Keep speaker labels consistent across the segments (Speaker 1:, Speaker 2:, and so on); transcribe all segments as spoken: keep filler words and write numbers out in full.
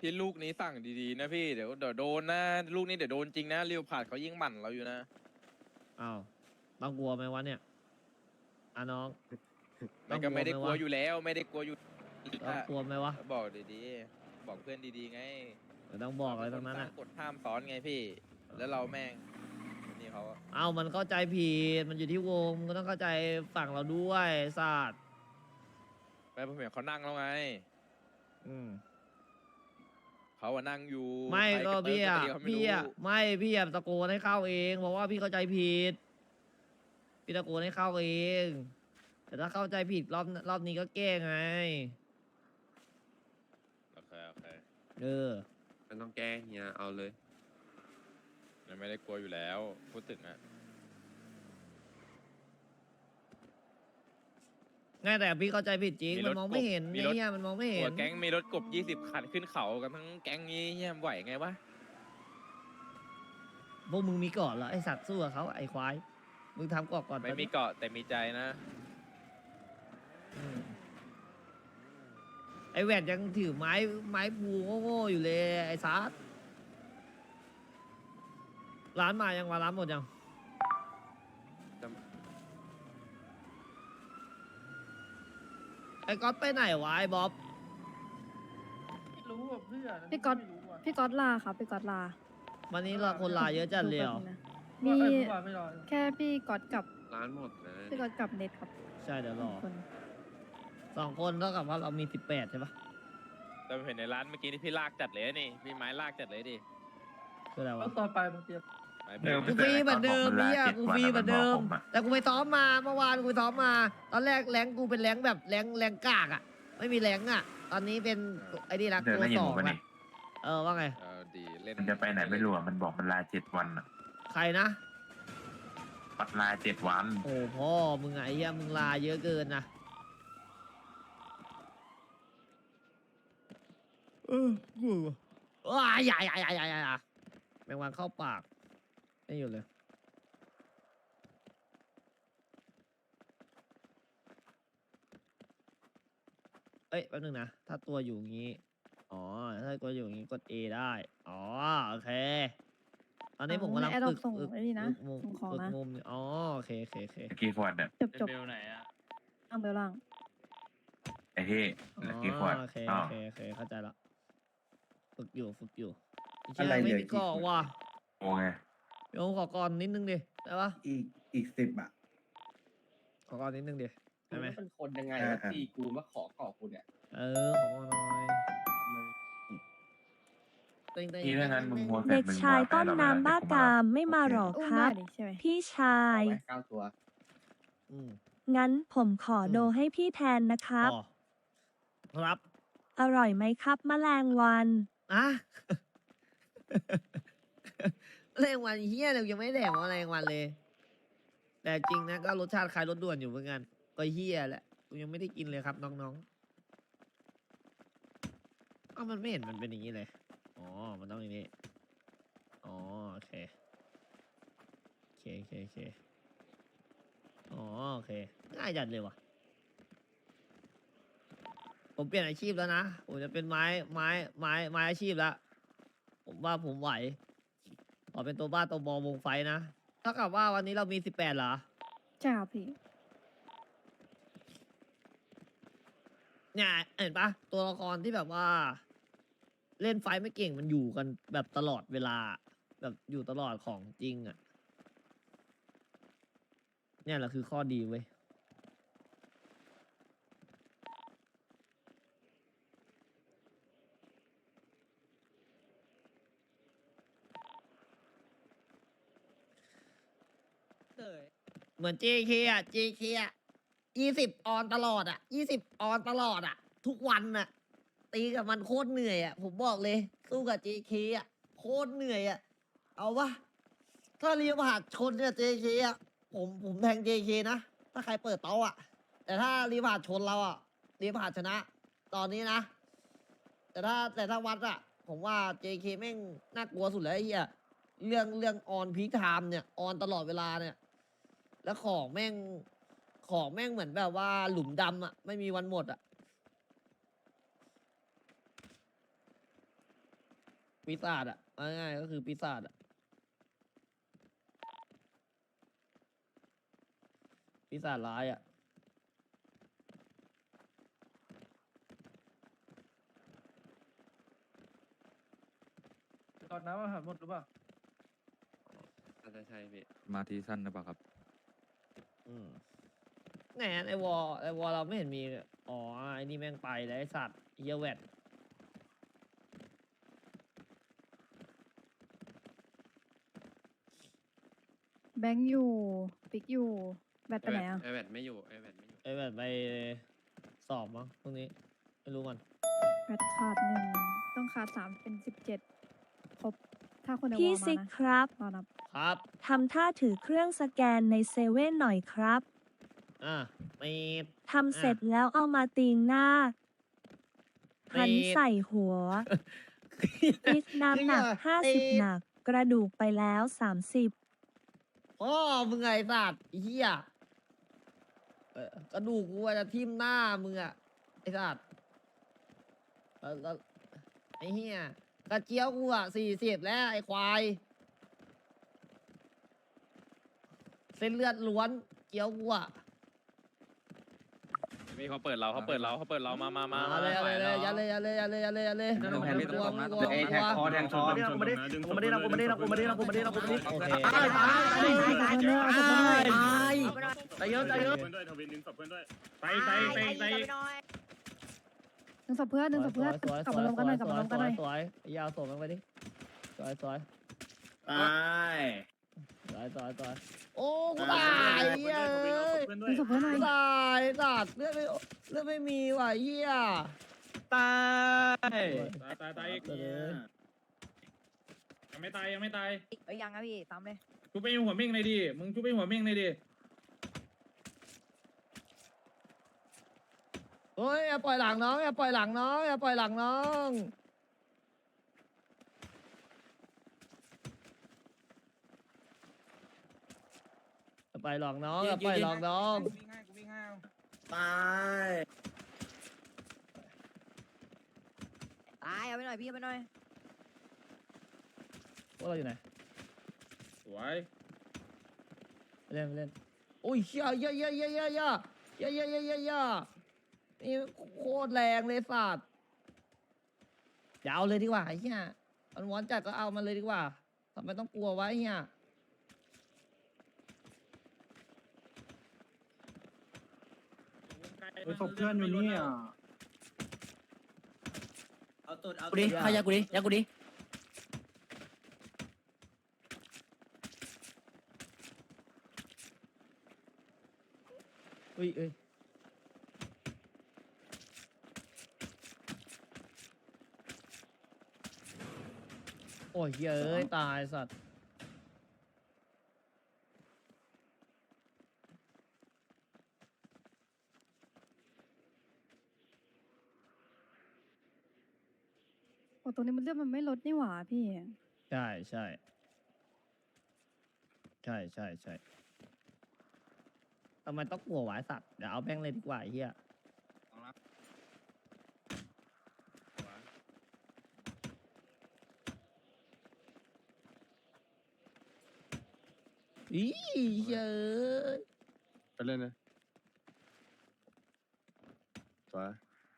Speaker 1: พี่ลูกนี้สั่งดีๆนะพี่เดี๋ยวเดี๋ยวโดนนะลูกนี้เดี๋ยวโดนจริงนะเรียวผ่านเขายิ่งหมั่นเราอยู่นะ
Speaker 2: อ้าวต้องกลัวไหมวะเนี่ยอ่ะน้อง
Speaker 1: มันก็ไม่ได้กลัวอยู่
Speaker 2: ว
Speaker 1: แล้วไม่ได้กลัวอยู่
Speaker 2: ต้องกลัวไหมวะ
Speaker 1: บอกดีๆบอกเพื่อนดีๆไง
Speaker 2: ไม่ต้องบอกอะไรทั้งนั้น
Speaker 1: ตั้
Speaker 2: อ่ะ
Speaker 1: งกฎห้ามซ้อนไงพี่ แล้วเราแม่งนี่เขา
Speaker 2: เอ้ามันเข้าใจผิดมันอยู่ที่วงมันก็ต้องเข้าใจฝั่งเราด้วยศาสตร์
Speaker 1: ไปผมเห็นเขานั่งแล้วไง
Speaker 2: อืม
Speaker 1: เขาอะนั่งอยู่
Speaker 2: ไม่
Speaker 1: ใคร
Speaker 2: ก็
Speaker 1: ระเติ
Speaker 2: พี่
Speaker 1: ก
Speaker 2: อ่ะ
Speaker 1: ระเดียวไม่
Speaker 2: พี่
Speaker 1: รู้
Speaker 2: อ่ะไม่พี่อ่ะตะโกนให้เข้าเองบอกว่าพี่เข้าใจผิดพี่ตะโกนให้เข้าเอง แต่ถ้าเข้าใจผิดรอบรอบนี้ก็แก้ไง
Speaker 1: โอเคโอเค
Speaker 2: เออ
Speaker 3: มันต้องแก้เฮียเอาเลย
Speaker 1: มันไม่ได้กลัวอยู่แล้วพูดถึงอะ
Speaker 2: ไงแต่พี่เข้าใจผิดจริงมันมองไม่เห็น
Speaker 1: มี
Speaker 2: ไอ้
Speaker 1: รถ
Speaker 2: เนี่ยมันมองไม่เห็
Speaker 1: หั
Speaker 2: น
Speaker 1: วแก๊งมีรถกบยี่สิบคันขึ้นเขากันทั้งแก๊งนี้เฮียไหวไงวะ
Speaker 2: พวกมึงมีเกาะเหรอไอสัตว์สู้กับเขาไอควายมึงทำเกาะก่อน
Speaker 1: ไม่มีเกาะแต่มีใจนะ
Speaker 2: อืมไอแหวนยังถือไม้ไม้ภูโง่ๆอยู่เลยไอซัดร้านมายังวะร้านหมดยัง
Speaker 3: จ
Speaker 2: ไอ้ก๊อตไปไหนวะไอ้บ๊อบ
Speaker 4: ไม่รู้อ่ะเพื่อน
Speaker 5: พี่ก๊อต
Speaker 4: ไม่รู้อ่ะ
Speaker 5: พี่ก๊อตลาครับพี่ก๊อตลา
Speaker 2: วันนี้เราคนลาเยอะจัดเลยเหรอ
Speaker 5: ดูแป๊บนึงนะ
Speaker 4: มี
Speaker 5: มี
Speaker 4: เมื่อวานไม่รอ
Speaker 5: แค่พี่ก๊อตกับ
Speaker 3: ร้านหมดนะ
Speaker 5: พี่ก๊อตกับเน็ตครับ
Speaker 2: ใช่เดี๋ยวรอ
Speaker 5: คน
Speaker 2: สองคนเท่ากับว่าเรามีสิบแปดใช่ปะ
Speaker 1: แต่เห็นในร้านเมื่อกี้นี่พี่ลากจัดเลยนี่พี่ไม้ลากจัดเลยดิ
Speaker 2: คืออะไร
Speaker 4: แล้ว
Speaker 2: วะ
Speaker 4: ตอนไปมึงเตรียม
Speaker 1: ไม้
Speaker 6: เดิม
Speaker 2: กูฟรีเหมือนเดิมเนี่ยกูฟรีเหมือนเดิม แต่กูไปซ้อมมาเมื่อวานกูไปซ้อมมา ตอนแรกแรงกูเป็นแรงแบบแรงแรงกากอ่ะ ไม่มีแรงอ่ะ ตอนนี้เป็นไอ้นี่รัก
Speaker 6: เดิน
Speaker 2: ตัว
Speaker 6: แล้วยิ
Speaker 2: ส
Speaker 6: ง
Speaker 2: อ
Speaker 6: ผ
Speaker 2: ง
Speaker 6: มปะ
Speaker 2: ละ
Speaker 6: นี่
Speaker 2: เออว่าไง
Speaker 1: เออดีเล่น
Speaker 6: มันจะไปไหนไม่รู้อะมันบอกมันลาเจ็ดวันอะ
Speaker 2: ใครนะ
Speaker 6: ปัดลาเจ็ดวัน
Speaker 2: โอ้พ่อมึงอะไอ้เหี้ยมึงลาเยอะเกินนะเออกูว้ายใหญ่ใหญ่ใหญ่ใหญ่ใหญ่แมงวันเข้าปากไม่อยู่เลย เอ้ยแป๊บนึงนะ ถ้าตัวอยู่อย่างนี้ อ๋อ ถ้าตัวอยู่อย่างนี้กด A ได้ อ๋อ โอเค ตอนนี้ผมกำลัง
Speaker 5: แอดดอ
Speaker 2: ฝึ
Speaker 5: ป
Speaker 2: ก
Speaker 5: ส่ง
Speaker 2: ฝึก
Speaker 5: ไอ้นี่นะ
Speaker 2: ฝึกมุม
Speaker 5: ส่งของ
Speaker 2: ฝึก
Speaker 5: นะ
Speaker 2: มุมอ๋อ โอเคโอเคโอเค
Speaker 6: ตะกี้ฟอร์ดเนี่ย
Speaker 5: จบจบ
Speaker 4: เบลไหนอ่ะ
Speaker 5: ล่างเบลล่าง
Speaker 6: ไอ้ที่
Speaker 2: อ๋
Speaker 6: ตะกี้ฟอร์ด
Speaker 2: อโอเค
Speaker 6: อ๋อ
Speaker 2: โอเคโอเคเข้าใจละฝึกอยู่ฝึกอยู่
Speaker 7: อะไร
Speaker 2: ไม่
Speaker 7: เหลือ
Speaker 2: มี
Speaker 7: กี่
Speaker 2: เกาะ
Speaker 7: คน
Speaker 2: ว่ะ
Speaker 6: โอ้ไง
Speaker 2: เดี๋ยวขอก่อนนิดนึงดิได้ปะ
Speaker 7: อีกอีกสิบอ่ะ
Speaker 2: ขอก่อนนิดนึงดิได้ไหม
Speaker 8: เป็นคนยังไง
Speaker 7: อ่า
Speaker 8: อะ
Speaker 7: อ่า
Speaker 8: ตีกูมาขอเกาะกูเนี่ย
Speaker 2: เออขอก่อนหน่อยเต็งๆ
Speaker 6: นี่ถ้างั้นมึงมัวแต่
Speaker 9: เด็ก
Speaker 6: มึง
Speaker 9: ชาย
Speaker 6: มัวแต่
Speaker 9: ต้น
Speaker 6: เรา
Speaker 9: น้ำบ้ากามไม่มาหรอ
Speaker 5: อุ้ม
Speaker 9: ค
Speaker 5: ได้
Speaker 9: รับ
Speaker 5: ดิใช่ไหม
Speaker 9: พี่ชา
Speaker 8: เอา
Speaker 9: ย
Speaker 8: ไว้เก้าตัว
Speaker 2: อืม
Speaker 9: งั้นผมขออ
Speaker 2: ม
Speaker 9: โดให้พี่แทนนะครับ
Speaker 2: อ๋อครับ
Speaker 9: อร่อยไหมครับแมลงวัน
Speaker 2: อะแรงวันเฮียเรายังไม่แดกว่าแรงวันเลย แต่จริงนะก็รสชาติคล้ายรสด่วนอยู่เหมือนกัน ก็เฮียแหละกูยังไม่ได้กินเลยครับน้องๆเอ้ามันไม่เห็นมันเป็นอย่างนี้เลย อ๋อ มันต้องอย่างนี้ อ๋อ โอเค โอเคโอเคโอเคอ๋อ โอเค ง่ายจัดเลยว่ะ ผมเปลี่ยนอาชีพแล้วนะ ผมจะเป็นไม้ไม้ไม้ไม้อาชีพแล้ว ผมว่าผมไหว ขอเป็นตัวบ้าตัวบอวงไฟนะเท่ากับว่าวันนี้เรามีสิบแปดเหรอ
Speaker 5: ใช่ครับพี่
Speaker 2: เนี่ยเห็นปะตัวละครที่แบบว่า เล่นไฟไม่เก่งมันอยู่กันแบบตลอดเวลา แบบอยู่ตลอดของจริงอ่ะ เนี่ยแหละคือข้อดีเว้ย เหมือน เจ เค อ่ะ เจ เค อ่ะยี่สิบออนตลอดอ่ะยี่สิบออนตลอดอ่ะ ทุกวันอ่ะ ตีกับมันโคตรเหนื่อยอ่ะ ผมบอกเลย สู้กับ เจ เค อ่ะ โคตรเหนื่อยอ่ะ เอาวะถ้าเรียบหาดชนเนี่ย เจ เค อ่ะ ผมผมแทง เจ เค นะ ถ้าใครเปิดเตาอ่ะ แต่ถ้าเรียบหาดชนเราอ่ะเรียบหาดชนะ ตอนนี้นะ แต่ถ้าแต่ถ้าวัดอ่ะ ผมว่า เจ เค แม่งน่ากลัวสุดแล้วไอ้เหี้ยเรื่องเรื่องออนพีคไทม์เนี่ยออนตลอดเวลาเนี่ย แล้วของแม่งของแม่งเหมือนแบบว่าหลุมดำอ่ะ ไม่มีวันหมดอ่ะปีศาจอ่ะเอาง่ายๆก็คือปีศาจอ่ะปีศาจร้ายอ่ะ
Speaker 4: ก่อนน้ำอาหารหมดหรือเปล่า
Speaker 3: อาจจะใช่พี่
Speaker 8: มาทีสั้นหรือเปล่าครับ
Speaker 2: อืมแหนไอวอลไอวอลเราไม่เห็นมีเลยอ๋อไอนี่แม่งไปแล้วไอสัตว์เหี้ยแวด
Speaker 5: แบงค์อยู่ปิกอยู่แบตไปไหนอ่ะ
Speaker 3: ไอแวดไม่อยู่ไอแวดไม่อยู่
Speaker 2: ไอแวดไปสอบมั้งพรุ่งนี้ไม่รู้มัน
Speaker 5: แบตขาดหนึ่งต้องขาดสามเป็นสิบเจ็ดครบถ้าคนในวอ
Speaker 9: พี่
Speaker 5: ลมา
Speaker 9: ซิก
Speaker 5: นะครับ รอนับ
Speaker 2: ครับ
Speaker 9: ทำท่าถือเครื่องสแกนในเซเว่นหน่อยครับ
Speaker 2: อ่ะไม่
Speaker 9: ทำเสร็จแล้วเอามาตีงหน้า พันใส่หัวพิกน้ำหนักห้าสิบหนัก กระดูกไปแล้วสามสิบ
Speaker 2: พ่อมึงไงสัตว์ไอ้เหี้ยเอ่อกระดูกกูอาจจะทิ่มหน้ามึงอะไอ้สัตว์แล้วแล้วไอ้เหี้ยกระเจียวกูอะสี่สิบแล้วไอ้ควายเส้นเลือดล้วนเจียวกูอะ
Speaker 1: มีเขาเปิดเราเขาเปิดเราเขาเปิดเรามามามา
Speaker 2: เอาเลยเอาเลยเลยยัดเลยยัดเลยยัดเลยยัดเลยยัดเลย
Speaker 4: เดี๋ยวเรา
Speaker 2: ไม่
Speaker 4: แพ้
Speaker 2: กลัวไม่กลัว
Speaker 7: ไอ้
Speaker 2: ไม่ก
Speaker 7: แท็
Speaker 2: ลั
Speaker 7: ก
Speaker 2: ว
Speaker 7: คอแทงคอ
Speaker 4: ไม่ได้ไม่ได้ไม่ได้ไม่ได้ไม่ได้ไม่ได้ไม่ได้ไม่ได้ไม่ได้
Speaker 2: โอเค
Speaker 4: ตายตายตายตายตายเยอะตายเยอะ
Speaker 5: หนึ่งศพเพื่อนหนึ่งศพเพื่อน
Speaker 2: สวย
Speaker 5: กลับมารวมกันหน่อยกลับมารวมกันหน่อย
Speaker 2: สวยยาวส่งมันไปดิสวยสวย
Speaker 7: ตาย
Speaker 2: สวยสวยสวยโอ้กูตายเหี้ยเอ้ย
Speaker 5: หนึ่งศพเพื่อนหน่อย
Speaker 2: ตายสัตว์เลือดไม่เลือดไม่มีว่ะเหี้ย
Speaker 4: ตาย
Speaker 10: ตายตายตายอีก
Speaker 2: เลย
Speaker 10: ยังไม่ตายยังไม่ตาย
Speaker 5: เอ้ยยังอะพี่ตามเลย
Speaker 10: ชุบไปหัวเม่งเลยดิมึงชุบไปหัวเม่งเลยดิ
Speaker 2: เฮ้ยอย่าปล่อยหลังน้องอย่าปล่อยหลังน้องอย่าปล่อยหลังน้องอย่าปล่อยหลังน้องอย่าปล่อยหลังน้อง
Speaker 7: ตาย
Speaker 5: ตายเอาไปหน่อยพี่เอาไปหน่อย
Speaker 2: พวกเราอยู่ไหน
Speaker 10: สวย
Speaker 2: ไปเล่นไปเล่นโอ้ยเหี้ยเหี้ยเหี้ยเหี้ยเหี้ยเหี้ยเหี้ยเหี้ยเหี้ยเหี้ยเหี้ยนี่โคตรแรงเลยสัตว์อย่าเอาเลยดีกว่าไอ้เหี้ยมันวอนจัดก็เอามันเลยดีกว่าทำไมต้องกลัวไวะไอ้เหี้ย
Speaker 10: ไปศพเพื่อนอยู่นี่อ่ะ
Speaker 7: เอาตุดเอา
Speaker 2: กูดิขยากูดิยากูดิอุ้ยเอ้ยโอ้ยเหี้ยเอ้ยตายสัตว์
Speaker 5: โอ้ตรงนี้มันเลือดมันไม่ลดนี่หว่าพี่
Speaker 2: ใช่ใช่ใช่ใช่ใช่ทำไมต้องกลัวหวายสัตว์เดี๋ยวเอาแม่งเลยดีกว่าไอ้เหี้ยอีเหี้ยเอ้ย
Speaker 8: ไปเล่นเลยสวย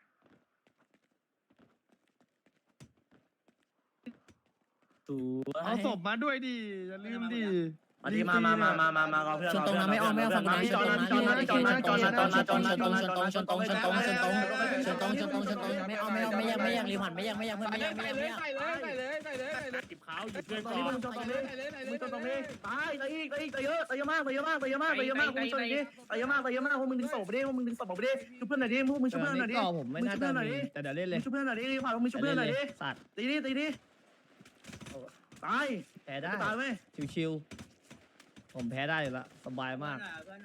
Speaker 4: เอาศพมาด้วยดิอย่าลืมดิ
Speaker 7: มาดิมามามามามามาเพื่อนชนตรงนั้นไม่ออกไม่ออกฝั่งนั้นจอดนะจอดนะจอดนะจอดนะจอดนะจอดนะจอดนะจอดนะชนตรงชนตรงชนตรงชนตรงชนตรงชนตรงไม่เอาไม่เอาไม่ยังไม่ยังรีผ่านไม่ยังไม่ยังเพื่อนไม่ยังไม่ยังไม่ยัง
Speaker 10: ใส่เลยใส่เลยใส่เลยใส่เลยจิบขาวหยิบเพื่อน
Speaker 4: ต
Speaker 10: ก่
Speaker 4: อ
Speaker 10: อน
Speaker 4: นี้มึงจนตรงนี้มึงจนตรงนี้ตายตายอีกตายอีกตายเยอะตายเยอะมากตายเยอะมากตายเยอะมากตายเยอะมากมึงชนดิตายเยอะมากตายเยอะมากพวกมึงดึงศพไปดิพวกมึงดึงศพออกไปดิช่วยเพื่อนหน่อยดิพวกมึงช่วยเพื่อนหน่อยดิ
Speaker 2: ก่อผมไม่น่าจะมีแต่เดี๋ยวเล่นเลย
Speaker 4: ช่วยเพื่อนหน่อยดิผ่านพวกมึงช่วยเพื่อนหน่อยดิ
Speaker 2: สัตว์
Speaker 4: ตีดิตีดิตาย
Speaker 2: แพ้ได้
Speaker 4: ตายไหม
Speaker 2: ชิวๆผมแพ้ได้อยู่ละสบายมาก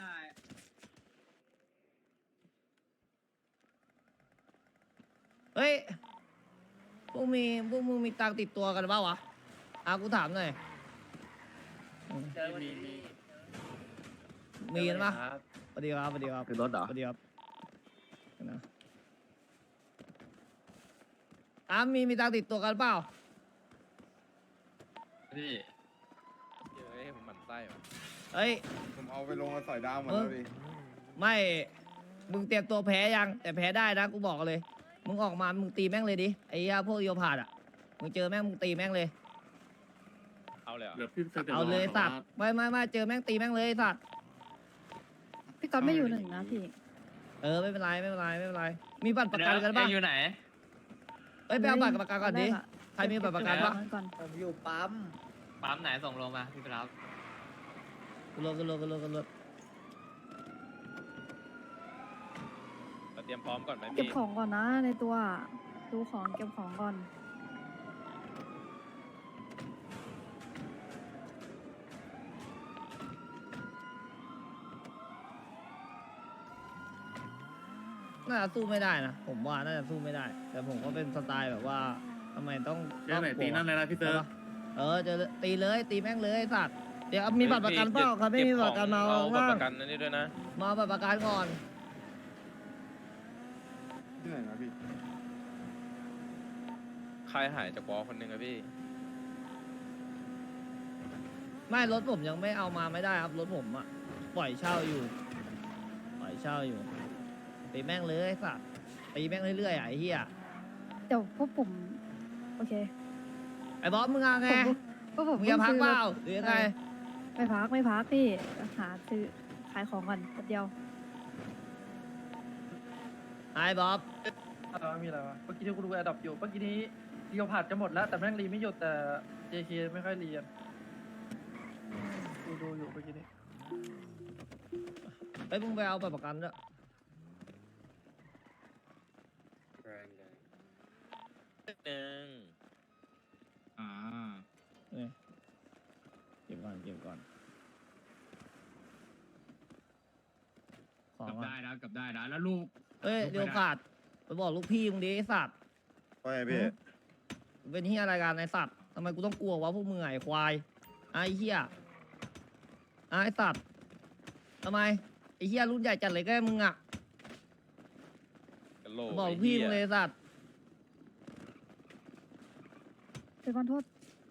Speaker 2: เฮ้ยพวกมีพวกมึงมีตังค์ติดตัวกันเปล่าวะอากูถามหน่อยมีกันปะสวัสดีครับสวัสดีครับ
Speaker 8: คือรถเหรอ
Speaker 2: สวัสดีครับนะอ้ามีมีตังค์ติดตัวกันเปล่า
Speaker 3: พี่
Speaker 1: เฮ้ยผมหมั่นไส้ว่ะ
Speaker 2: เอ้ย
Speaker 8: ผมเอาไปลงมาสอยดาวหมด
Speaker 2: เออ
Speaker 8: แล้วดิ
Speaker 2: ไม่ มึงเตรียมตัวแพ้ยัง แต่แพ้ได้นะ กูบอกเลย มึงออกมา มึงตีแม่งเลยดิ ไอ้เหี้ยพวกโยพาดอ่ะ มึงเจอแม่ง มึงตีแม่งเลย
Speaker 1: เอาเลยเหรอ
Speaker 3: เหลือพี่
Speaker 2: เอาเลยสัตว์ ไม่ไม่ไม่เจอแม่งตีแม่งเลยสัตว์
Speaker 5: พี่ก๊อตไม่อยู่หนึ่งนะพี่
Speaker 2: เออไม่เป็นไรไม่เป็นไรไม่เป็นไร มีบัตรประกันกันปะ
Speaker 3: อยู่ไหน
Speaker 2: เอ้ยไปเอาบัตรประกันก่อนดิ
Speaker 5: ได้ละ
Speaker 2: ใครมีบัตรประกันปะ
Speaker 5: เก็บก่อน
Speaker 7: ผมอยู่ปั๊ม
Speaker 3: ปั๊มไหนส่งลงมาพี่ไปรับ
Speaker 2: กูรถกูรถกูรถกูรถ
Speaker 1: เราเตรียมพร้อมก่อนไหม
Speaker 5: เก็บ
Speaker 1: พี่
Speaker 5: ของก่อนนะในตัวดูของเก็บของก่อน
Speaker 2: น่าจะสู้ไม่ได้นะ ผมว่าน่าจะสู้ไม่ได้ แต่ผมก็เป็นสไตล์แบบว่าทำไมต้อง
Speaker 4: เจอไหนตีนั่นเลยนะพี่เตอร์
Speaker 2: เออเจอตีเลยตีแม่งเลยสัตว์ เดี๋ยวมีบัตรประกันเปล่าครับไม่มีบัตรประกันมา
Speaker 1: เอา
Speaker 2: เอา
Speaker 1: บัตร
Speaker 2: บ้าง
Speaker 1: ประกันนั่นนี่ด้วยนะ
Speaker 2: มาเอาบัตรประกันก่อน
Speaker 8: ที่ไหนนะพี่
Speaker 1: ใครหายจากวอลคนหนึ่งอะพี่
Speaker 2: ไม่รถผมยังไม่เอามาไม่ได้ครับรถผมอะปล่อยเช่าอยู่ ปล่อยเช่าอยู่ตีแม่งเลยสัตว์ตีแม่งเรื่อยๆอะไอ้เหี้ย
Speaker 5: เดี๋ยวพวกผมโอเค
Speaker 2: ไอ้บอสมึงเอาไง
Speaker 5: พวกผม
Speaker 2: มึงจะพักเปล่า
Speaker 5: พิ่
Speaker 2: หรือยังไง
Speaker 5: ไม่พักไม่พักพี่หาซื้อขายของก่อนแป๊บเดียว
Speaker 2: ไอ้บอส
Speaker 4: มีอะไรวะเมื่อกี้ที่กูดูแอดดอปอยู่เมื่อกี้นี้เดียวผ่านจะหมดแล้วแต่แม่งรีไม่หยุดแต่ เจ เค ไม่ค่อยรีดูดูอยู่เมื่อกี้นี้
Speaker 2: ไอ้ยมึงไปเอาบัตรประกันด้วย
Speaker 1: หนึ่ง
Speaker 10: อ่า
Speaker 2: นี่เก็บก่อนเก็บก่อนของ
Speaker 10: กลับ
Speaker 2: ก่อน
Speaker 10: ได้นะกลับได้นะแล้วลูก
Speaker 2: เอ้ย
Speaker 10: ลูกไป
Speaker 2: เดี๋ยว
Speaker 10: ได้
Speaker 2: ขาดไปบอกลูกพี่มึงดิไอ้สัตว์
Speaker 8: ว่าไงพี่
Speaker 2: มึงเป็นเฮียอะไรกันไอ้สัตว์ทำไมกูต้องกลัววะพวกมึงไอ้ควายไอ้เฮียไอ้สัตว์ทำไมไอ้เฮียรุ่นใหญ่จัดเลยก็มึงอ่ะ
Speaker 1: กะโหลก
Speaker 2: บอก
Speaker 1: ไอ้
Speaker 2: ลูกพี่
Speaker 1: หี้
Speaker 2: มึงเลยไอ้สัตว์
Speaker 5: เดี๋ยวก่อนโทษ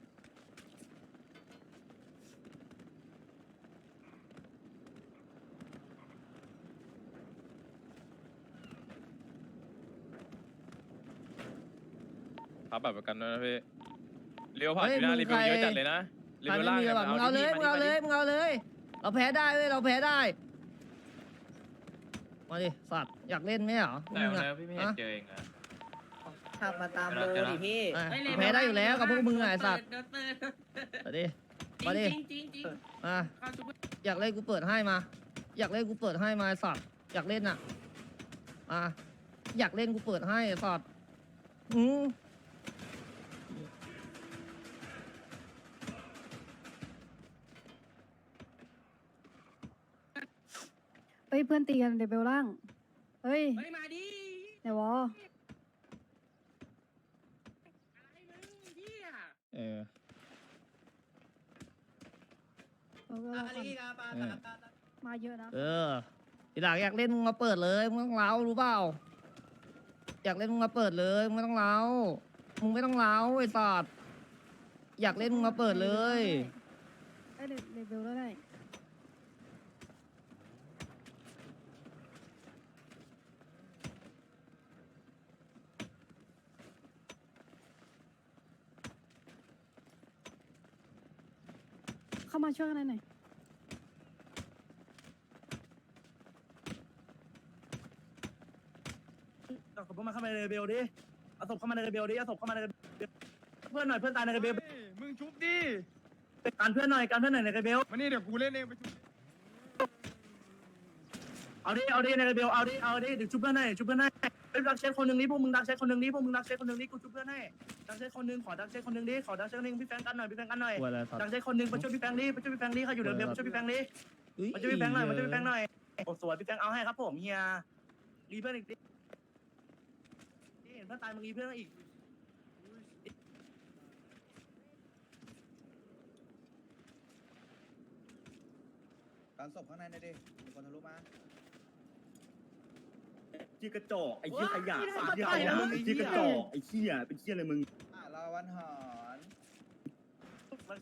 Speaker 1: ครับบัตรประกันด้วยนะพี่เลี้ยวผ่าน
Speaker 2: เฮ้ย
Speaker 1: พี่หน้า
Speaker 2: มึง
Speaker 1: รีวิวเยอะ
Speaker 2: ใคร
Speaker 1: จัดเลยนะรี
Speaker 2: ใคร
Speaker 1: วิว
Speaker 2: ไม่
Speaker 1: ล่าง
Speaker 2: มี
Speaker 1: นี่ย
Speaker 2: บัตรมึงเอาเลย
Speaker 1: ที่
Speaker 2: มึงเอาเลย
Speaker 1: ที่
Speaker 2: มึงเอาเลย เราแพ้ได้เว้ยเราแพ้ได้มาดิสัตว์อยากเล่นไหมเหรอพวก
Speaker 3: แต่
Speaker 2: มึง
Speaker 3: วัน
Speaker 2: อ่ะ
Speaker 3: นั้นพี่ไม่เห็นเจอเองนะ
Speaker 7: ขับมาตามโลดิพี่
Speaker 2: อ่ะแพ้ได้อยู่แล้วกับพวกมึงอะไอ้สัตว์มาดิมาดิมาอยากเล่นกูเปิดให้มา อยากเล่นกูเปิดให้มาไอ้สัตว์อยากเล่นอ่ะอ่ะอยากเล่นกูเปิดให้ไอ้สัตว์อืม
Speaker 5: เฮ้ยเพื่อนตีกันเดยวเบลล่างเฮ้ย
Speaker 10: เฮ้ยมาดิ
Speaker 5: ไหนวะ
Speaker 2: เออ
Speaker 5: เออเบลล่างก่อน
Speaker 2: เออ
Speaker 5: มาเยอะนะ
Speaker 2: เออทีหลังอยากเล่นมึงมาเปิดเลยมึงไม่ต้องเล้ารู้เปล่าอยากเล่นมึงมาเปิดเลยมึงไม่ต้องเล้ามึงไม่ต้องเล้าไอ้สัตว์อยากเล่นมึงมาเปิดเลย
Speaker 5: ได้เดยวเดยวเบลแล้วได้เข้ามาช่วยกันหน่อย
Speaker 4: เอาศพมาเข้ามาในเรเบลดิเอาศพเข้ามาในเรเบลดิเอาศพเข้ามาในเรเบลเพื่อนหน่อยเพื่อนตายในเรเบล
Speaker 8: มึงชุบดิ
Speaker 4: การเพื่อนหน่อยการเพื่อนหน่อยในเรเบล
Speaker 8: มานี่เดี๋ยวกูเล่นเองไปชุบ
Speaker 4: เอาดิเอาดิในเรเบลเอาดิเอาดิเดี๋ยวชุบเพื่อนให้ชุบเพื่อนให้เป็นดักเช็คคนหนึ่งนี้พวกมึงดักเช็คคนหนึ่งนี้พวกมึงดักเช็คคนหนึ่งนี้กูชุบเพื่อนให้ดักเช็คคนหนึ่งขอดักเช็คคนหนึ่งดิขอดักเช็คคนหนึ่งพี่แฟงกันหน่อยพี่แฟงกันหน่อย
Speaker 2: กลัวอะไรสัต
Speaker 4: ดัก
Speaker 2: ว์
Speaker 4: เช็คคนหนึ่งมาช่วยพี่แฟงดิมาช่วยพี่แฟงดิเขาอยู่เรเบลมาช่วยพี่แฟงดิ
Speaker 2: อุ๊ย
Speaker 4: มาช่วยพี่แฟงหน่อยมาช่วยพี่แฟงหน่อยโอ้สวยพี่แฟงเอาให้ครับผมเฮียรีเพื่อนอีกดินี่เห็นเพื่อนตายมึงรีเพื่อนอีก
Speaker 7: การศพข้างในนะดิมีคนทะลุมา
Speaker 11: ขี้กระจอกไอ้เหี้ยขยะไอ้เหี้ยขยะไอ้ขี้กระจอกไอ้เหี้ยเป็นเหี้ยอะไรมึง
Speaker 7: อ่ะรอวันหอน
Speaker 4: เมันใช่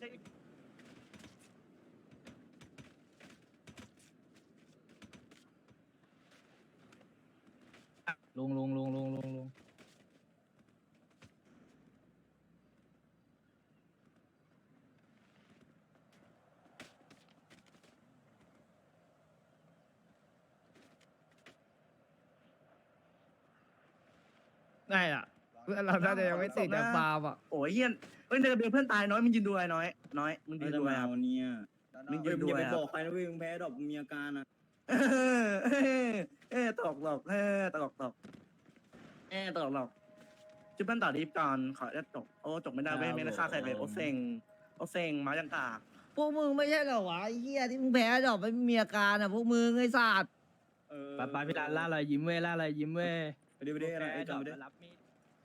Speaker 7: ลุงลุงลุงลุงลุงลุง
Speaker 2: ได้อ่ะเพื่อนเราน่าจะยังไม่ติดจากฟาร์มอ่ะ
Speaker 4: โอ้ยเฮียนเฮ้ยเดินเพื่อนตายน้อยมึงยืนดูอะไรน้อยน้อยมึงยืนดูอะไรครับ
Speaker 11: เนี่ย
Speaker 4: มึงยืนดู
Speaker 11: อย่า
Speaker 4: อะไร
Speaker 11: ไป
Speaker 4: ครับ
Speaker 11: บอกใครนะเว้ยมึงแพ้ดอกมึงมีอาการอ่ะ
Speaker 4: เออเออเออตลกหลอกเออตลกหลอกเออตลกหลอกจุ๊บเพื่อนต่อดีฟก่อนขอจะจบโอ้จบไม่ได้เว้ยไม่ได้ฆ่าใครเลยโอเซ็งโอเซ็งมาจังกาก
Speaker 2: พวกมึงไม่ใช่เหรอวะไอ้เหี้ยที่มึงแพ้ดอกไม่มีอาการอ่ะพวกมึงไอ้สัตว์
Speaker 11: เออ
Speaker 7: ไปไปพี่ดานล่าอะไรยิ้มเว้ยล่าอะไรยิ้มเว้ย
Speaker 11: ไปดิไปดิอะไรจำไปดิ
Speaker 7: รับมีด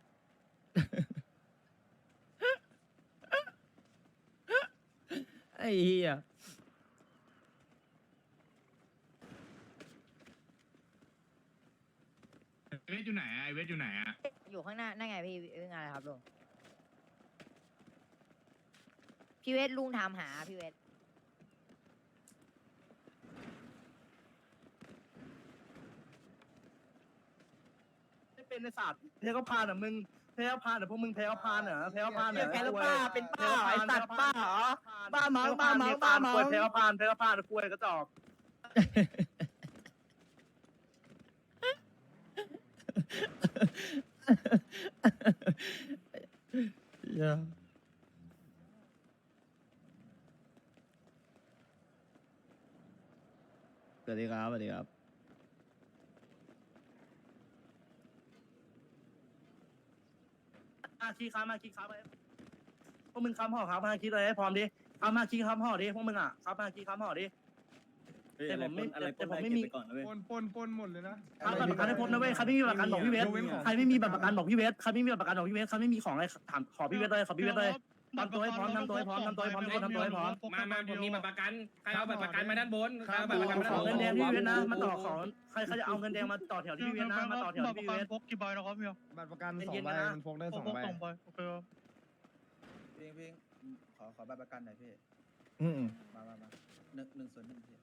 Speaker 2: ไอ้เหี้ย
Speaker 10: เวทอยู่ไหนอะไอเวทอยู่ไหนอะ
Speaker 12: อยู่ข้างหน้านั่นไงพี่เรื่องอะไรครับลุงพี่เวทลุงถามหาพี่เวท
Speaker 4: ไม่เป็นในศาสตร์แพ้ก็พานอ่ะมึงแพ้ก็พานอ่ะพวกมึงแพ้ก็พานเหรอแพ้ก็พานเหรอ
Speaker 7: แพ้แล้วป้าเป็นป้าไอ้สัตว์ป้าเหรอ
Speaker 4: บ้าเมาบ้าเมาบ้าเมาแพ้ก็พานแพ้ก็พานกล้วยกระจอก
Speaker 2: สวัสดีครับสวัสดีครับ
Speaker 4: มาคีค้ามาคีค้าไปพวกมึงค้ำห่อครับมาคีเลยให้พร้อมดิค้ามาคีค้ำห่อดิพวกมึงอ่ะค้ามาคีค้ำห่อดิ
Speaker 11: แต่ผมไม่อะไร
Speaker 4: แต่ผมไม่มี
Speaker 11: ก่อนนะเว้ย
Speaker 8: ปนปนปนหมดเลยนะ
Speaker 4: ค้าบัตรประกันให้พบนะเว้ยใครไม่มีบัตรประกันบอกพี่เวทใครไม่มีบัตรประกันบอกพี่เวทใครไม่มีบัตรประกันบอกพี่เวทใครไม่มีของอะไรถามขอพี่เวทเลยขอพี่เวทเลยทำตัวให้พร้อมทำตัวให้พร้อมทำตัวให้พร้อมทุกคนทำตัวให้พร้อม
Speaker 3: มามาผมมีบัตรประกันใครเอาบัตรประกันมาด้านบนใครเอาบัตรประกันมา
Speaker 4: ข
Speaker 3: ด้า
Speaker 4: อน
Speaker 3: บ
Speaker 4: เงิน
Speaker 3: น
Speaker 4: แดงที่พี่เวทนะมาต่อของใครใครจะเอาเงินแดงมาต่อแถวที่พี่เวทนะมาต่อแถวที่พี่เวท
Speaker 8: พกกี่ใบนะครับพี่บัตรประกันสอง
Speaker 4: เย็นๆ
Speaker 8: ใบ
Speaker 4: นะ
Speaker 8: มันพกได้สองใบ
Speaker 11: โอเคพิงพิงขอขอบัตรประกันหน่อยพี่
Speaker 2: อืม
Speaker 11: มามามาหนึ่งหนึ่งส่วนหนึ่งพี่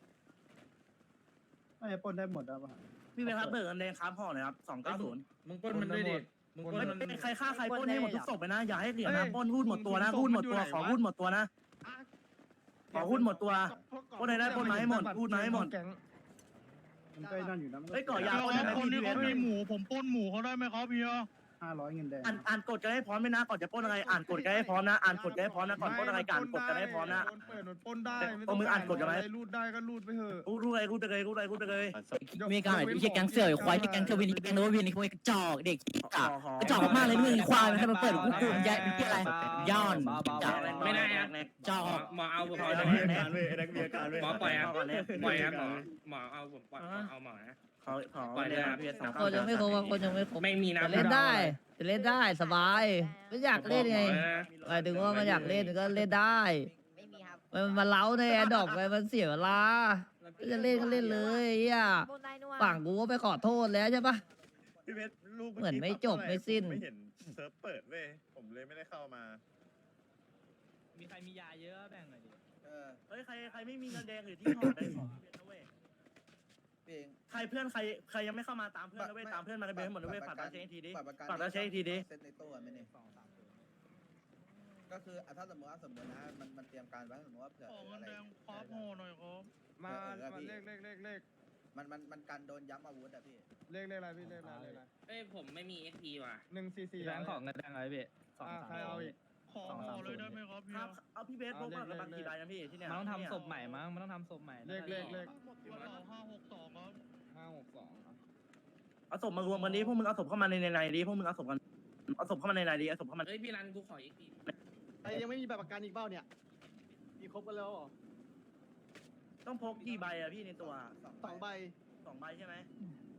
Speaker 8: ไม่ปนได้หมดแล้วป่ะ
Speaker 4: พี่เวทครับเบิกเงินแดงค้ำห่อหน่อยครับสองเก้าศูนย์
Speaker 1: มึงปล้นมันด้วยดิมึงปล้นมัน
Speaker 4: ใครฆ่าใครปล้นให้หมดทุกศพไปนะอย่าให้เหรียญนะปล้นหุ้นหมดตัวนะหุ้นหมดตัวขอหุ้นหมดตัวนะขอหุ้นหมดตัวปล้นไหนได้ปล้นมาให้หมดหุ้นมาให้หมด
Speaker 8: มันก็นั่นอยู่นะ
Speaker 4: เฮ้ยก่อยาปล้นไหมพี่เวท
Speaker 8: ผมปนหมูเขาได้ไหมครับพี่ห้าร้อยเงินแดง
Speaker 4: อ่านอ่านกฎกันให้พร้อมไหมนะก่อนจะปล้นอะไรอ่านกฎกันให้พร้อมนะอ่านกฎกันให้พร้อมนะก่อนปล้นอะไรกันกฎกันให้พร้อมนะ
Speaker 8: เปิดมันปนได้
Speaker 4: เอามืออ่านกฎกันไหม
Speaker 8: รูดได้ก็รูดไปเถอะ
Speaker 4: รู้รู้อะไรรู้ไปเลยรู้อะไรรู้ไปเลย
Speaker 7: มีการแบบไม่ใช่แก๊งเสือควายที่แก๊งเทวินแก๊งโนวินนี่พวกกระจอกเด็ก
Speaker 4: ข
Speaker 7: กะ
Speaker 4: อก
Speaker 7: ระจอกมากเลยมึงควายมันให้มันเปิดกูกูใหญ่เป็นที่อะไรย้อนจับ
Speaker 3: ไม่ได้นะ
Speaker 7: จอก
Speaker 3: หมอเอาผม
Speaker 11: ไอ้
Speaker 3: เอา
Speaker 11: นักมีอาการเว้ยไอ้นักมีอาการเว้ย
Speaker 3: หมอปล่อยครับปล่อยครับหมอหมอเอาผมปล่อยเอาหมอนะ
Speaker 4: ขอขอเลยนะพี่สอง
Speaker 2: คนยังไม่ครบคนยังไม่ครบ
Speaker 3: ไม่มีนะ
Speaker 2: จะเล่นได้จะเล่นได้สบายไม่อยากเล่นไงหมายถึงว่ามันอยากเล่นก็เล่นได้
Speaker 12: ไม่มีครับ
Speaker 2: มันมาเล้าในแอดดอกไปมันเสียเวลาจะเล่นก็เล่นเลยไอ้เหี้ย
Speaker 12: บนได้นัว
Speaker 2: ฝั่งกูก็ไปขอโทษแล้วใช่ปะ
Speaker 8: พี่เพชรลูก
Speaker 2: เหมือนไม่จบไม่สิ้น
Speaker 8: ไม่เห็นเซิร์ฟเปิดเว้ยผมเลยไม่ได้เข้ามา
Speaker 7: มีใครมียาเยอะแบ่งหน่อยดิ
Speaker 11: เออ
Speaker 4: เฮ้ยใครใครไม่มีเงินแดงหรือที่ห่อได้ของพี่นะเว้ย
Speaker 11: พี่เอง
Speaker 4: ใครเพื่อนใครใครยังไม่เข้ามาตามเพื่อนนะเว้ยตามเพื่อนมากันเบนหมดนะเว้ยฝากตาเช็คทีดิ
Speaker 11: บัตรประกัน
Speaker 4: ฝากตาเช็คทีดิ
Speaker 11: เซ็ตในตู้อะไม่เนี่ยสองสามตัวก็คืออ่ะถ้าสมมติว่าสมมตินะมันมันเตรียมการไว้สมมติว่าเผื่ออะไร
Speaker 8: มา
Speaker 11: เออ
Speaker 8: มา
Speaker 11: พี่
Speaker 8: เลขเลขเลขเลข
Speaker 11: มันมันมันกันโดนย้ำอาวุธอะพี่
Speaker 8: เลขเลขอะไรพี่เลขอะไรเลขอะไร
Speaker 3: เอ้ยผมไม่มีเอ็กพีว่ะ
Speaker 8: หนึ่งสี่สี่
Speaker 7: แบงค์ของเงินแดงอะไรพี่สอง
Speaker 8: อ่า
Speaker 7: สาม
Speaker 8: ใครเอาอีก
Speaker 7: สองสามเลยได้ไหมครับ
Speaker 4: ครับเอาพี่เบสพกมากับบังกี่ใบนะพี่ที่เนี่ย
Speaker 7: มันต้องทำศพใหม่มั้งมันต้องทำศพใหม่
Speaker 8: เลขเลขเลข
Speaker 10: ห้าหกสองครับ
Speaker 8: ห้าหกสอง
Speaker 4: เอาศพมารวมกันดิพวกมึงเอาศพเข้ามาในในดิพวกมึงเอาศพกันเอาศพเข้ามาในในดิเอาศพเข้ามา
Speaker 3: เอ้ยพี่รันกูขอเอ็กพี
Speaker 8: ไอ้ยังไม่มีแบบประกันอีกเปล่าเนี่ยมีครบกันแล้วเหรอ
Speaker 4: ต้องพกกี่ใบอะพี่ในตัว
Speaker 8: สองใบ
Speaker 4: สองใบใช่ไหม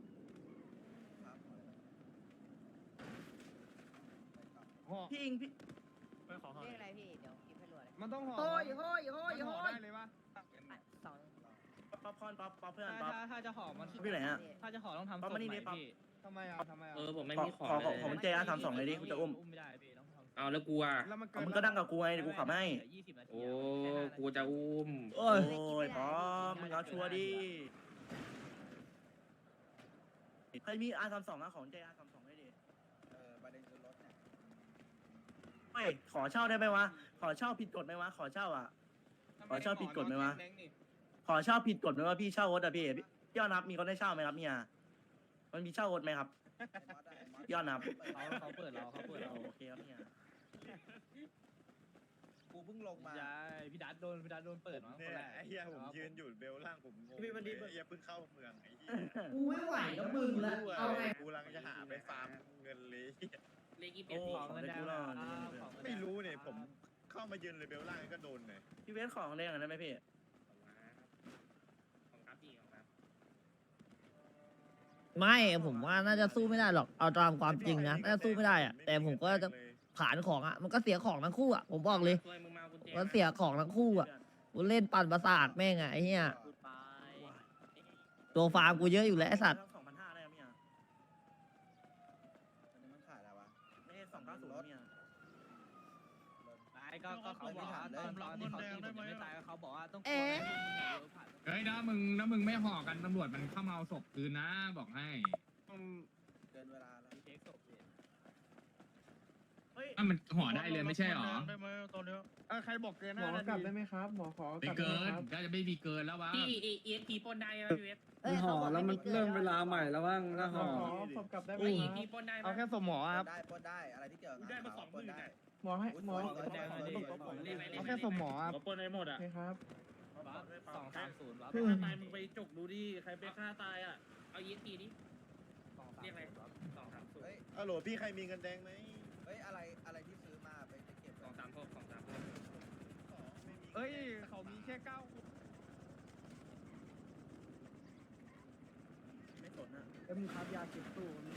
Speaker 8: ห่อ
Speaker 4: พี่อิงพี่
Speaker 12: เรียกอะไรพี่เดี๋ยวกินให้รวยเลย
Speaker 8: มันต้องห่อ
Speaker 2: โอ้ยโอ้ยโอ้ย
Speaker 8: มันห่
Speaker 2: โอ้
Speaker 8: อย ได้เลยปะ
Speaker 12: อ่ะสอง
Speaker 4: ป๊อปคอนป๊อปป๊อปเพื่อน
Speaker 7: ถ้า
Speaker 4: ป๊อป
Speaker 7: ถ้าถ้าจะห่อมัน
Speaker 4: พี่ไหนฮะ
Speaker 7: ถ้าจะห่อต้องทำศพ
Speaker 4: เอามานี่
Speaker 7: ใหม่
Speaker 4: ดิปั๊บ
Speaker 7: พี่
Speaker 8: ทำไมอ่ะทำไมอ่ะ
Speaker 3: เออผมไม่
Speaker 4: ขอ
Speaker 3: มีขอ
Speaker 4: ขอ
Speaker 3: เลย
Speaker 4: ผมเจอาทำสองเลยดิกูจะอุ้ม
Speaker 7: อุ้มไม่ได้พี่ต้องทำศ
Speaker 3: เอาแล้วกูอ่ะ
Speaker 8: แล้วมัน
Speaker 4: เอา
Speaker 8: เกิน
Speaker 4: มึงก็นั่งกับกูไงเดี๋ยวกูขับให้
Speaker 3: โอ้กูจะอุ้ม
Speaker 2: โอ้ย
Speaker 4: โอ้ยพร้อมมึงเอาชัวร์ดิใครมีอาร์สามสองอะของใจอาร์สามสองได้ดิ
Speaker 11: เออประเด็นคือรถเนี่ย
Speaker 4: เฮ้ยขอเช่าได้ไหมวะขอเช่าผิดกฎไหมวะขอเช่าอ่ะ ขอเช่าผิดกฎไหมวะ ขอเช่าผิดกฎไหมว่าพี่เช่ารถอะพี่พี่ยอดนับมีคนได้เช่าไหมครับเนี่ยมันมีเช่ารถไหมครับ
Speaker 11: ไอ้มอสอะไอ้มอส
Speaker 4: ยอดนับ
Speaker 11: เขาเขาเปิดเราเขาเปิดเรา
Speaker 4: โอเคครับเนี่ย
Speaker 11: กูเพิ่งลงมา
Speaker 10: พี่ดัดโดนพี่ดัดโดนเปิดมาคนแรกไอ้เหี้ยผมยืนอยู่เบลล่างผมงงพี่วันนี้เหี้ยเพิ่งเข้าเมืองไอ้เหี้ย
Speaker 2: กูไม่ไหวแล้วมึงละเอาไง
Speaker 10: กูรังจะหาไปฟาร์มเงินเลย
Speaker 3: เลขยี่สิบ
Speaker 4: โอ้
Speaker 3: เอ็ด
Speaker 4: ของได้กูรอด
Speaker 10: ไม่รู้เนี่ยผมเข้ามายืนเลยเบลล่างก็โดนเลย
Speaker 4: พี่เวสของได้กันได้ไหมพี่
Speaker 3: ของครับพี่ของครับ
Speaker 2: ไม่ผมว่าน่าจะสู้ไม่ได้หรอกเอาตามความจริงนะน่าจะสู้ไม่ได้อะแต่ผมก็จะขานของอะมันก็เสียของทั้งคู่อะผมบอกเลย
Speaker 3: ช่วยมึงมาเอากุญแจ
Speaker 2: มันเสียของทั้งคู่อะกูเล่นปั่นประสาทแม่งอะไอ้เหี้ยตัวฟาร์มกูเยอะอยู่แล้วไอ้สัตว์
Speaker 4: สองพันห้าได้ครับเนี่ย
Speaker 11: อันนี้มันขายอะไรวะ
Speaker 4: ไม่ใช่สองเก้าศูนย์เนี่ย
Speaker 11: ก็ก็เขาบอกว่าตอนตอนที่เขาตีผมยังไม่ตายก็เขาบอกว่าต้อง
Speaker 2: เอ๊ะ
Speaker 10: เฮ้ยถ้ามึงถ้ามึงไม่ห่อกันตำรวจมันเข้ามาเอาศพคืนนะบอกให้
Speaker 11: เกินเวลาแล้ว
Speaker 4: เฮ้ย
Speaker 10: ถ้ามันห่อได้เลยไม่ใช่หรอ
Speaker 8: ได้ไหมตอนนี้เออใครบอกเกินหน้านาที
Speaker 10: ไม่เกินก็จะไม่มีเกินแล้ววะ
Speaker 3: พี่เอเอสพีปนได้ไหมพี่เวส
Speaker 2: ห่อแล้วมันเริ่มเวลาใหม่แล้วว่า
Speaker 8: ขอศพกลับได้ไหม
Speaker 3: เอ
Speaker 8: ค
Speaker 3: พี
Speaker 8: รับ
Speaker 3: ปนได้ไหม
Speaker 8: เอาแค่ศพหมอ
Speaker 11: ป
Speaker 8: ครับ
Speaker 11: นได้ปนได้อะไรที่เกี่ยวกับ
Speaker 3: ได้มาส
Speaker 11: ข่า
Speaker 3: อ
Speaker 11: ว
Speaker 3: งห
Speaker 11: ป
Speaker 3: มื่
Speaker 11: น
Speaker 3: น
Speaker 11: ได้
Speaker 3: อ่ะ
Speaker 8: หมอให้หมอ
Speaker 3: เอาแค่สมหมอครับปนได้หมดอ่ะ
Speaker 8: โอเคครับ
Speaker 3: สองสามศูนย์ตายมึงไปจกดูดิใครไปฆ่าตายอ่ะเอาเอสพีดิเรียกอะไรสองสามศูนย์
Speaker 11: เฮ้ย
Speaker 10: ฮัลโหลพี่ใครมีเงินแดงไหม
Speaker 11: เฮ้ยอะไรอะไรที่ซื้อมาไปไปเก็บ
Speaker 3: สองสามหกสองสามหก
Speaker 8: เฮ้ยเขามีแค่เก้า
Speaker 4: ไม่สนอะ
Speaker 8: แล้วมึงครับยาเก็บตู้นี่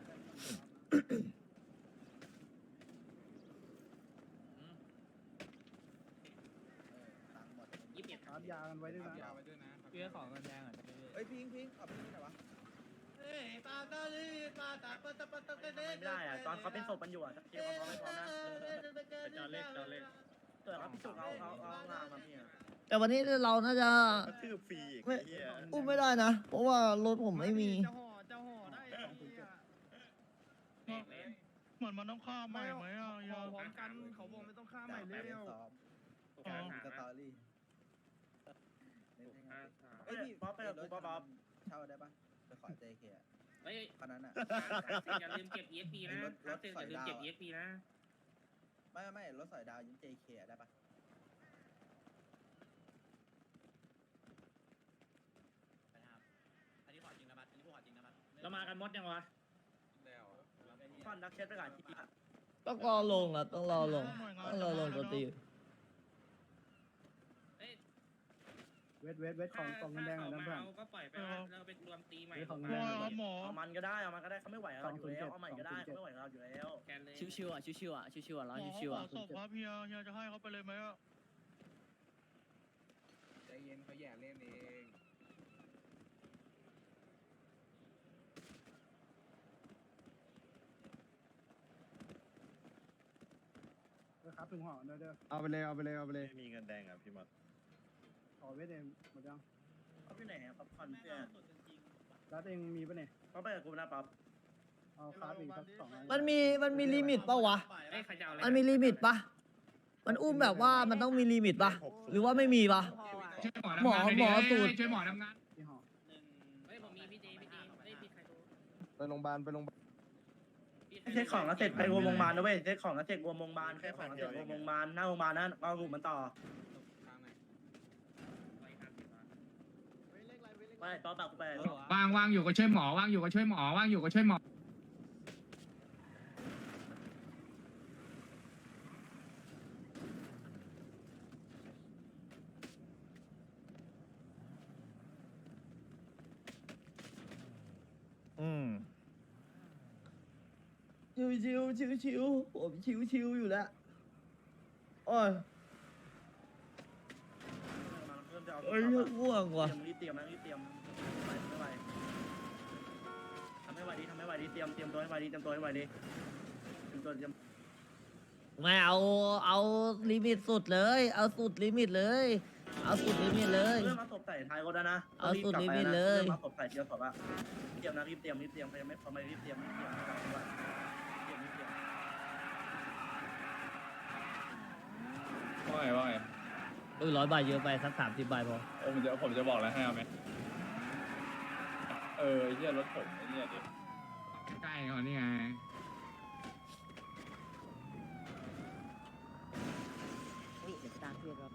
Speaker 11: ตังค์หมด
Speaker 3: ยี่สิบเอ็ด
Speaker 8: ครับยากันไว้ด้วยนะ
Speaker 11: พี่ของเงินแดงอ่ะเฮ้ยพิงพิงเอาพิงไหนวะ
Speaker 4: ไม่ได้อะตอนเขาเป็นศพมันอยู่อะเตรียมความพร้อมไม่พร้อมนะ
Speaker 3: จอเล็กจอเล็ก
Speaker 4: เกิดครับพี่จุกเอาเอาเอางานมาพี่อะ
Speaker 2: แต่วันนี้เราน่าจะ
Speaker 10: กระทืบฟรีอีก
Speaker 2: ไม่
Speaker 10: ไอ้เหี้ย
Speaker 2: อุ้มไม่ได้นะ เพราะว่ารถผมไม่มี
Speaker 8: จะห่อจะห่อได้
Speaker 3: แม่งเลย
Speaker 8: เหมือนมันต้องฆ่าใหม่ไหมอ่ะยาพร้อมกันเขาบอกไม่ต้องฆ่าใหม่
Speaker 11: แป
Speaker 8: เร็
Speaker 11: ด
Speaker 8: ว
Speaker 11: สอง
Speaker 3: กลาง
Speaker 11: ส
Speaker 3: หา
Speaker 11: ตอรี่
Speaker 3: ห้าสาม
Speaker 11: เฮ้ยพี่
Speaker 4: ป๊อปไปกับกูป๊อปป๊อป
Speaker 11: เช่าได้ปะไปขอเจเคอะ
Speaker 3: เฮ้ย
Speaker 11: คันนั้นอ่ะ
Speaker 3: อย่าลืมเก็บ เอ เอส พี นะถ้าเซ็นอย่าลืมเก็บ เอ เอส พี นะ
Speaker 11: ไม่ไม่รถสอยดาวยืมเจเคได้ปะ
Speaker 3: เรามากันมดยังวะ
Speaker 4: ฟันดักเช็ดไปก่อนทีอะ
Speaker 2: ต้องรอลงอ่ะต้องรอลงต้องรอลงตัวตี
Speaker 3: เอ้ย
Speaker 8: เวทเวทเวทของกล่องเงินแดงหน่อยนะเพื่อน
Speaker 3: ก็ปล่อยไปเราไปรวมตีใหม่
Speaker 8: ของเงินแดง
Speaker 4: หมอเอามันก็ได้เอามันก็ได้เขาไม่ไหวกับเราอยู่แล้วเอาใหม่ก็ได้เขาไม่ไหวกับเราอยู่แล้ว
Speaker 3: แกนเลย
Speaker 7: ชิวๆอ่ะชิวๆอ่ะชิวๆอ่ะร้อนชิวๆอ่ะ
Speaker 8: ศพครับเฮียเฮียจะให้เขาไปเลยไหมอ่ะ
Speaker 11: ใจเย็นเขาแย่เล่นเอง
Speaker 8: ครับถึงห่อเด้อเด้อเอาไปเลยเอาไปเลยเอาไปเลย
Speaker 10: ไม่มีเงินแดงอ่ะพี่มด
Speaker 8: ขอเวทเองหมดยัง
Speaker 4: เขาไปไหนอะป๊อปคอนเพื่อน
Speaker 8: รัดเองมีปะเนี่ย
Speaker 4: เขาไปกับกูนะป๊อป
Speaker 8: เอาคาร์ดอีกสักสองอัน
Speaker 2: มันมีมันมีลิมิตปะวะ
Speaker 3: เอ้ยใครจะเอาอะไร
Speaker 2: มันมีลิมิตปะมันอุ้มแบบว่ามันต้องมีลิมิตปะหรือว่าไม่มีปะ
Speaker 10: ช่วยหมอ
Speaker 2: หมอ
Speaker 10: ทำงาน
Speaker 2: หมอ
Speaker 10: น่ยดิ
Speaker 2: สูตร
Speaker 10: ช่วยหมอทำงาน
Speaker 8: ที่ห่อ
Speaker 3: เฮ้ยผมมีพี่เจพี่เจเฮ้ยพี่ใครรู้
Speaker 8: ไปโรงพยาบาลไปโรงพยาบาล
Speaker 4: เช็คของแล้วเสร็จไปวงโรงพยาบาลนะเว้ยเช็คของแล้วเสร็จวงโรงพยาบาลเช็คของแล้วเสร็จวงโรงพยาบาลหน้าโรงพยาบาลนั่นเอากลุ่มมันต่อไม่ป๊อปแบบกูไป
Speaker 10: ว่างว่างอยู่ก็ช่วยหมอว่างอยู่ก็ช่วยหมอว่างอยู่ก็ช่วยหมอ
Speaker 2: อืมชิวชิวชิวชิวๆผมชิวชิวๆอยู่แล้วโอ้ย เอ้ยง่วงว่ะ
Speaker 4: รีบเตรียมนะรีบเตรียมไม่ไหวทำไม่ไหวดิทำไม่ไหวดิเตรียมเตรียมตัวให้ไหวดิเตรียมตัวให้ไหวดิเตรียมตัวเตรียม
Speaker 2: ไม่เอาเอาลิมิตสุดเลย เอาสุดลิมิตเลย เอาสุดลิมิตเลย
Speaker 4: เริ่มมาตบใส่ท้ายรถแล้วนะ
Speaker 2: เอาสุดลิมิตเลย
Speaker 4: ริ่มมาตบใส่เทียวสอบว่าเตรียมนะรีบเตรียมรีบเตรียมใครยังไม่พอไม่รีบเตรียมรีบเตรียมนะครับว่าเตรียมรีบเตรียม
Speaker 10: ว่าไงว่าไง
Speaker 2: เออร้อยใบเยอะไปสักสามสิบใบพอ
Speaker 10: เออผมจะผมจะบอกแล้วให้เอาไหมเออไอ้เหี้ยรถผมไอ้เนี่ยดิใกล้ก่อนนี่ไง
Speaker 12: อุ้ยเดี๋ยวตามพี่เวทรอบ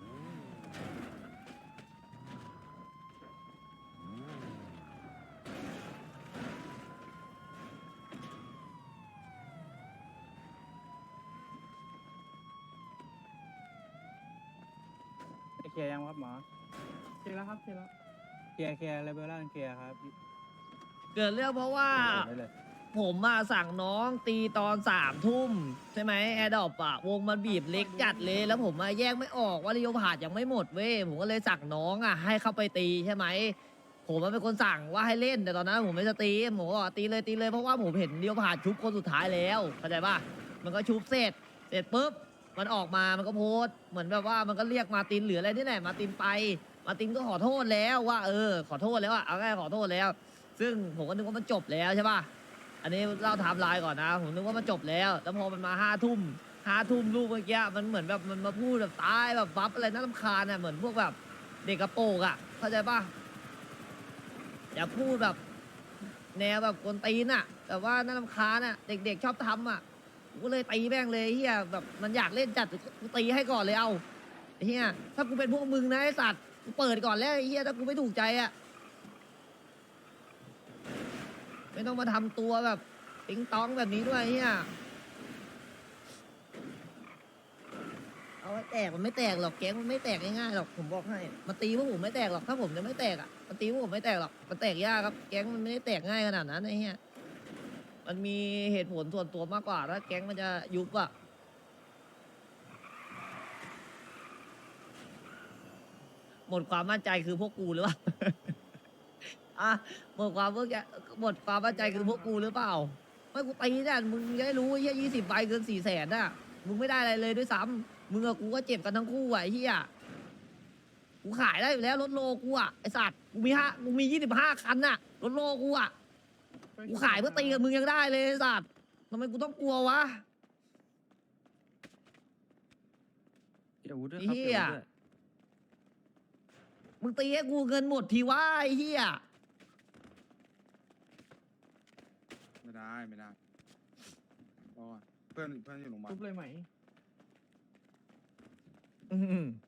Speaker 8: เคลียร์ยังครับหมอเคลียร์แล้วครับเคลียร์แล้วเคลียร์เคลียร์เลเวลล่างเคลียร์ครับ
Speaker 2: เกิดเรื่องเพราะว่า
Speaker 8: ได้เลย
Speaker 2: ผมมาสั่งน้องตีตอนสามทุ่มใช่ไหมแอร์ดอปอะวงมันบีบเล็กจัดเลย แล้วผมมาแยกไม่ออกว่าเรียวผ่านยังไม่หมดเว้ยผมก็เลยสั่งน้องอะให้เข้าไปตีใช่ไหมผมมันเป็นคนสั่งว่าให้เล่นแต่ตอนนั้นผมไม่จะตีผมก็บอกตีเลยตีเลยเพราะว่าผมเห็นเรียวผ่านชุบคนสุดท้ายแล้วเข้าใจป่ะมันก็ชุบเสร็จเสร็จปุ๊บมันออกมามันก็โพสต์เหมือนแบบว่ามันก็เรียกมาตินหรืออะไรนี่แหละมาตินไปมาตินก็ขอโทษแล้วว่าเออขอโทษแล้วอะเอาง่ายขอโทษแล้ว ซึ่งผมก็นึกว่ามันจบแล้วใช่ป่ะ อันนี้เล่าไทม์ไลน์ก่อนนะ ผมนึกว่ามันจบแล้ว แล้วพอมันมาห้าทุ่มห้าทุ่มลูกเมื่อกี้มันเหมือนแบบมันมาพูดแบบตายแบบบัฟอะไรน่ารำคาญอ่ะเหมือนพวกแบบเด็กกระโปรงอ่ะ เข้าใจป่ะ อย่าพูดแบบแนวแบบกวนตีนอ่ะ แต่ว่าน่ารำคาญอ่ะ เด็กๆชอบทำอ่ะกูก็เลยตีแม่งเลยเฮียแบบมันอยากเล่นจัดกูตีให้ก่อนเลยเอาเฮียถ้ากูเป็นพวกมึงนะไอ้สัตว์กูเปิดก่อนแล้วไอ้เฮียถ้ากูไม่ถูกใจอ่ะ ไม่ต้องมาทำตัวแบบติ๊งต้องแบบนี้ด้วยเฮียเอาไว้แตกมันไม่แตกหรอกแก๊งมันไม่แตกง่ายๆหรอกผมบอกให้มาตีพวกผมไม่แตกหรอกถ้าผมจะไม่แตกอ่ะมาตีพวกผมไม่แตกหรอกมันแตกยากครับแก๊งมันไม่ได้แตกง่ายขนาดนั้นไอ้เฮียมันมีเหตุผลส่วนตัวมากกว่าถ้าแก๊งมันจะยุบอ่ะหมดความมั่นใจคือพวกกูหรือเปล่า อ่ะหมดความเมื่อกี้หมดความมั่นใจคือพวกกูหรือเปล่าไม่กูตีเนี่ยมึงจะได้รู้ไอ้เหี้ยยี่สิบใบเกินสี่แสนน่ะมึงไม่ได้อะไรเลยด้วยซ้ำมึงกับกูก็เจ็บกันทั้งคู่อ่ะไอ้เหี้ยกูขายได้อยู่แล้วรถโลกูอ่ะไอสัตว์กูมีห้ากูมียี่สิบห้าคันน่ะรถโลกูอ่ะกูขายเพื่อตีกับมึงยังได้เลยไอสัตว์ทำไมกูต้องกลัววะไอ้เหี้ยมึงตีให้กูเงินหมดทีวะไอ้เหี้ย
Speaker 10: ไม่ได้ไม่ได้เพราะว่าเพื่อนเพื่อนอยู่โรงพยาบาล
Speaker 8: ทุบเลยไหม
Speaker 2: อืม